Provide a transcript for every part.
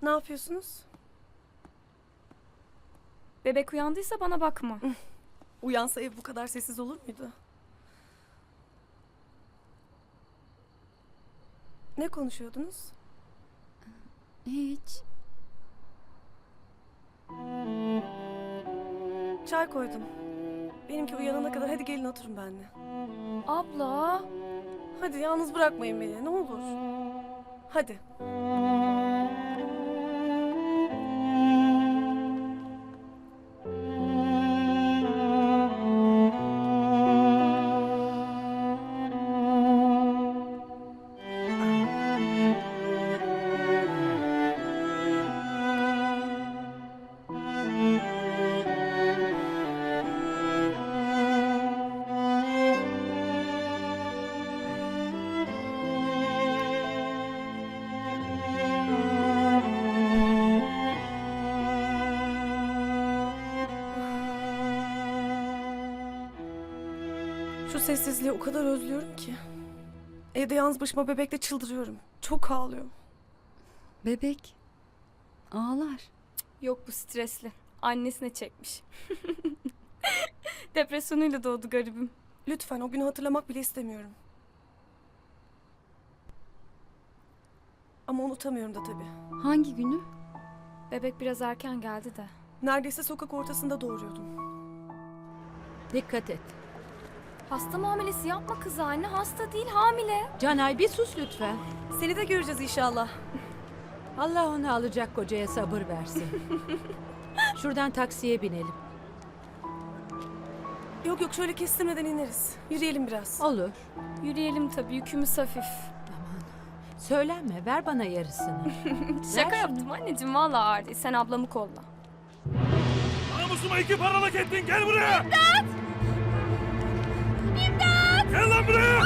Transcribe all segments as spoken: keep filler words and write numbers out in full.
Ne yapıyorsunuz? Bebek uyandıysa bana bakma. Uyansa ev bu kadar sessiz olur muydu? Ne konuşuyordunuz? Hiç. Çay koydum. Benimki uyanana kadar hadi gelin oturun benimle. Abla. Hadi yalnız bırakmayın beni ne olur. Hadi. Şu sessizliği o kadar özlüyorum ki. Evde yalnız başıma bebekle çıldırıyorum. Çok ağlıyor. Bebek. Ağlar. Yok bu stresli. Annesine çekmiş. Depresyonuyla doğdu garibim. Lütfen o günü hatırlamak bile istemiyorum. Ama unutamıyorum da tabii. Hangi günü? Bebek biraz erken geldi de. Neredeyse sokak ortasında doğuruyordum. Dikkat et. Hasta muamelesi yapma kız anne. Hasta değil hamile. Canay bir sus lütfen. Seni de göreceğiz inşallah. Allah onu alacak kocaya sabır versin. Şuradan taksiye binelim. Yok yok şöyle kestirmeden ineriz. Yürüyelim biraz. Olur. Yürüyelim tabii yükümüz hafif. Söylenme, ver bana yarısını. Şaka Ver yaptım anneciğim valla ağır değil. Sen ablamı kolla. Namusuma iki paralık ettin, gel buraya! İmdat! İmdat! Gel lan buraya!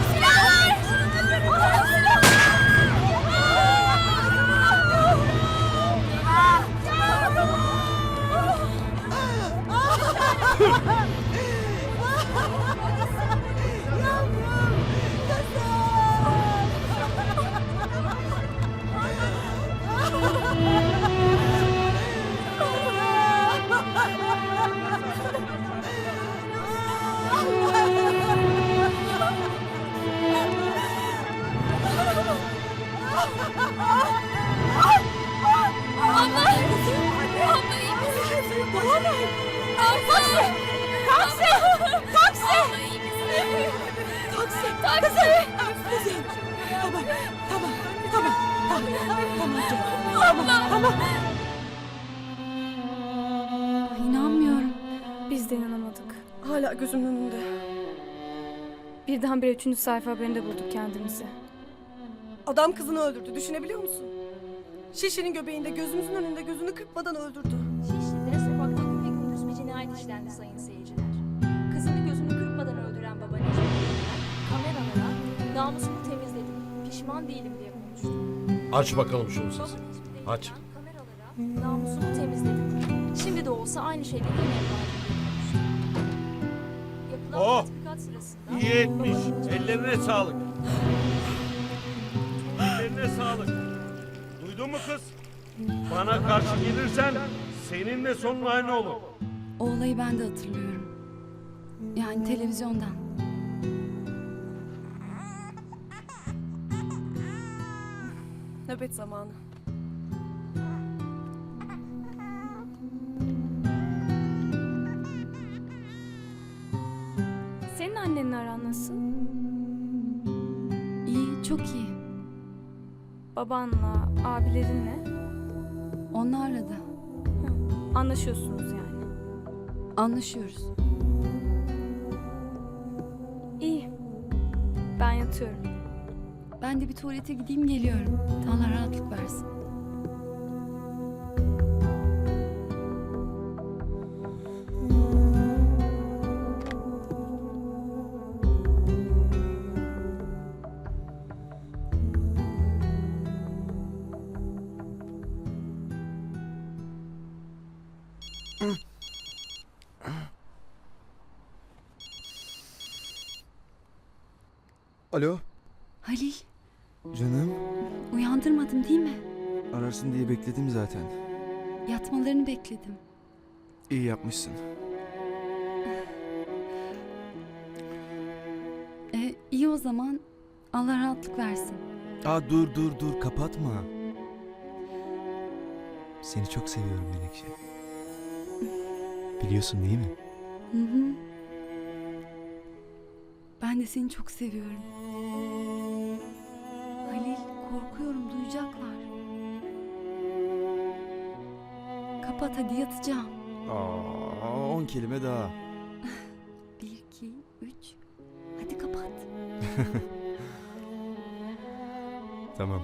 Ay, inanmıyorum. Biz de inanamadık. Hala gözümün önünde. Birdenbire üçüncü sayfa haberinde bulduk kendimizi. Adam kızını öldürdü. Düşünebiliyor musun? Şişenin göbeğinde gözümüzün önünde gözünü kırpmadan öldürdü. Şişli'de sokakta güpegündüz bir cinayet işlendi sayın seyirciler. Kızını gözünü kırpmadan öldüren baba Necmi Bey'den kameralara namusumu temizledim, pişman değilim diye konuştu. Aç bakalım şunu Baba sesini. Necmi Bey'den Aç. kameralara namusumu temizledim. Şimdi de olsa aynı şeyleri yine yapardım diye konuştu. Yapılan Oh! tatbikat sırasında İyi etmiş. baba Necmi Ellerine sağlık. Ellerine sağlık. Duydun mu kız? Bana karşı gelirsen seninle sonun aynı olur. O olayı ben de hatırlıyorum. Yani televizyondan. Nöbet zamanı. Senin annenle aran nasıl? İyi, çok iyi. Babanla, abilerinle Onlarla da anlaşıyorsunuz yani. anlaşıyoruz. İyi. Ben yatıyorum. Ben de bir tuvalete gideyim geliyorum. Allah rahatlık versin. Alo, Halil, canım. uyandırmadım değil mi? Ararsın diye bekledim zaten. Yatmalarını bekledim. İyi yapmışsın. E, iyi o zaman. Allah rahatlık versin. Aa dur dur dur kapatma. Seni çok seviyorum Menekşe. Biliyorsun değil mi? Hı hı. Ben de seni çok seviyorum. Halil, korkuyorum, duyacaklar. Kapat hadi, yatacağım. Aa on kelime daha. Bir, iki, üç. Hadi kapat. Tamam.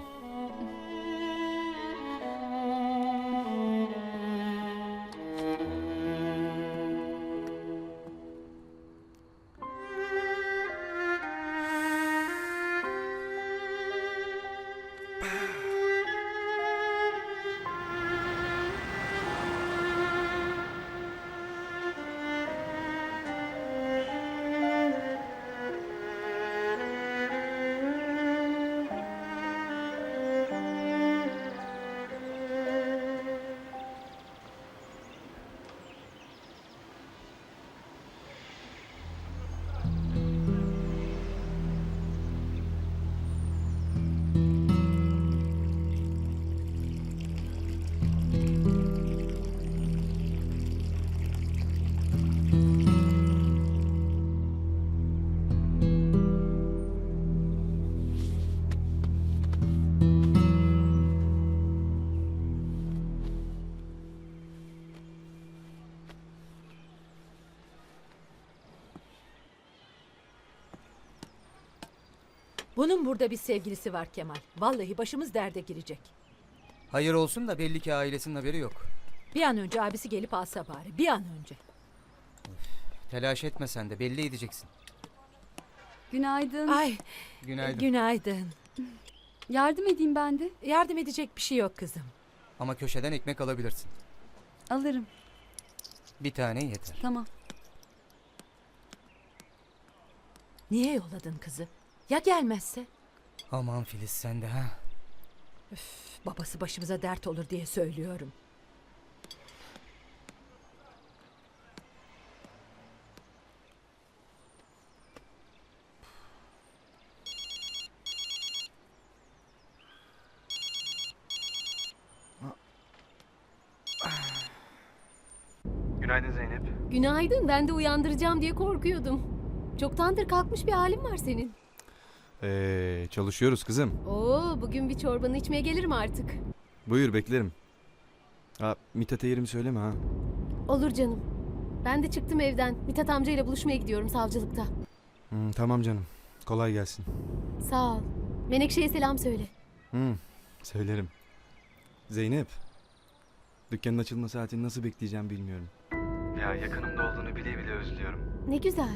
Bunun burada bir sevgilisi var Kemal. Vallahi başımız derde girecek. Hayır olsun da belli ki ailesinin haberi yok. Bir an önce abisi gelip alsa bari. Bir an önce. Telaş etme sen de belli edeceksin. Günaydın. Ay Günaydın. günaydın. Yardım edeyim ben de. Yardım edecek bir şey yok kızım. Ama köşeden ekmek alabilirsin. Alırım. Bir tane yeter. Tamam. Niye yolladın kızı? Ya gelmezse? Aman Filiz sen de ha. Babası başımıza dert olur diye söylüyorum. Günaydın Zeynep. Günaydın, ben de uyandıracağım diye korkuyordum. Çoktandır kalkmış bir halin var senin. Ee, çalışıyoruz kızım. Oo, bugün bir çorbanı içmeye gelirim artık. Buyur beklerim. Aa, Mithat'a yerimi söyleme ha. Olur canım. Ben de çıktım evden. Mithat amcayla buluşmaya gidiyorum savcılıkta. Hmm, tamam canım. Kolay gelsin. Sağ ol. Menekşe'ye selam söyle. Hmm, söylerim. Zeynep. Dükkanın açılma saatini nasıl bekleyeceğim bilmiyorum. Ya yakınımda olduğunu bile bile özlüyorum. Ne güzel.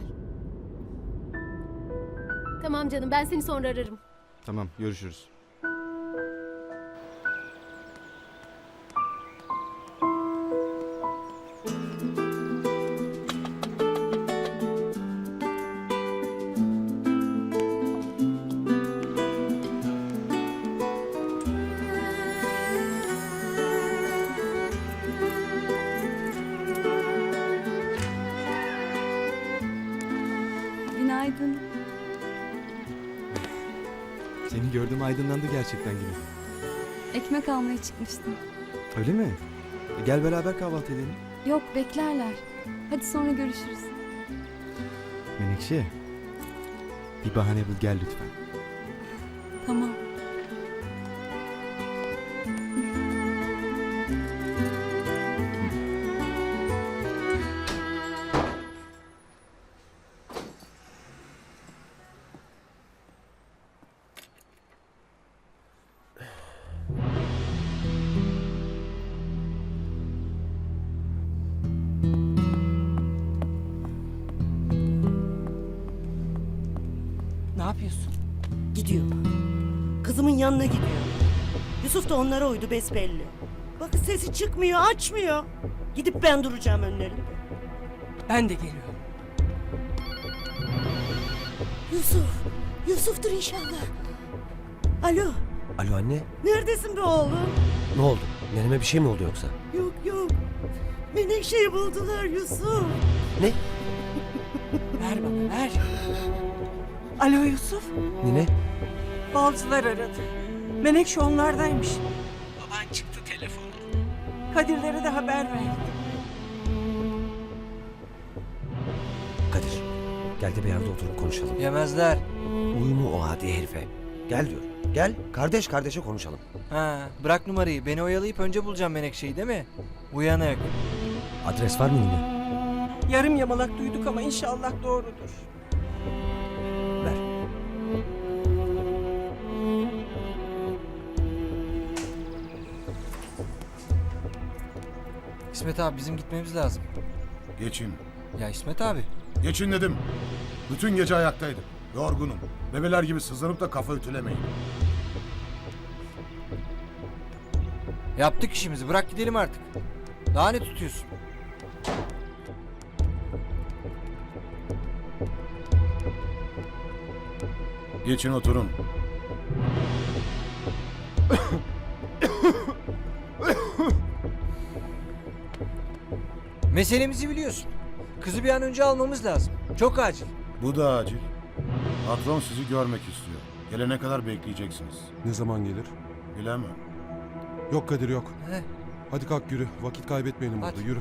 Tamam canım, ben seni sonra ararım. Tamam görüşürüz. Günaydın. Seni gördüm aydınlandı gerçekten gibi. Ekmek almaya çıkmıştım. Öyle mi? E, gel beraber kahvaltı edelim. Yok, beklerler. Hadi sonra görüşürüz. Menekşe. Bir bahane bul gel lütfen. Tamam. Ne yapıyorsun? Gidiyor. Kızımın yanına gidiyor. Yusuf da onlara uydu besbelli. Bakın sesi çıkmıyor, açmıyor. Gidip ben duracağım önlerinde. Ben de geliyorum. Yusuf, Yusuf'tur inşallah. Alo, Alo anne, Neredesin be oğlum? ne oldu? Neneme bir şey mi oldu yoksa? Yok yok. Menekşe'yi buldular Yusuf. Ne? Ver bana ver. Alo Yusuf. Nine? Balcılar aradı. Menekşe onlardaymış. Baban çıktı telefonu. Kadirlere de haber verdi. Kadir, gel de bir yerde oturup konuşalım. Yemezler. Uyumu o adi herife. Gel diyor. Gel, kardeş kardeşe konuşalım. Ha, bırak numarayı. Beni oyalayıp önce bulacağım Menekşe'yi değil mi? Uyanık. Adres var mı Nine? Yarım yamalak duyduk ama inşallah doğrudur. Ver. İsmet abi bizim gitmemiz lazım. Geçin. Ya İsmet abi. Geçin dedim. Bütün gece ayaktaydım. Yorgunum. Bebeler gibi sızlanıp da kafa ütülemeyin. Yaptık işimizi. Bırak gidelim artık. Daha ne tutuyorsun? Geçin oturun. Meselemizi biliyorsun. Kızı bir an önce almamız lazım. Çok acil. Bu da acil. Patron sizi görmek istiyor. Gelene kadar bekleyeceksiniz. Ne zaman gelir? Bilemem. Yok Kadir yok. He. Hadi kalk yürü. Vakit kaybetmeyelim Hadi. burada. Yürü.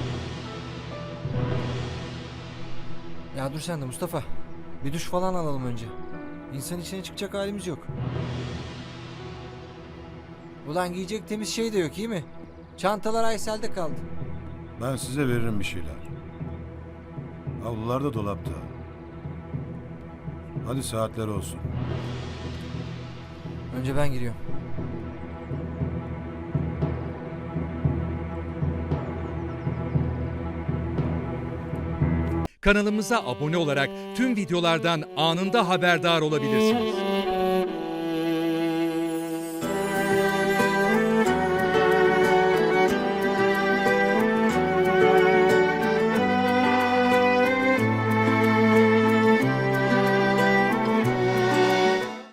Ya dur sen de Mustafa. Bir duş falan alalım önce. İnsan içine çıkacak halimiz yok. Ulan giyecek temiz şey de yok iyi mi? Çantalar Aysel'de kaldı. Ben size veririm bir şeyler. Havlular da dolapta. Hadi saatler olsun. Önce ben giriyorum. Kanalımıza abone olarak tüm videolardan anında haberdar olabilirsiniz.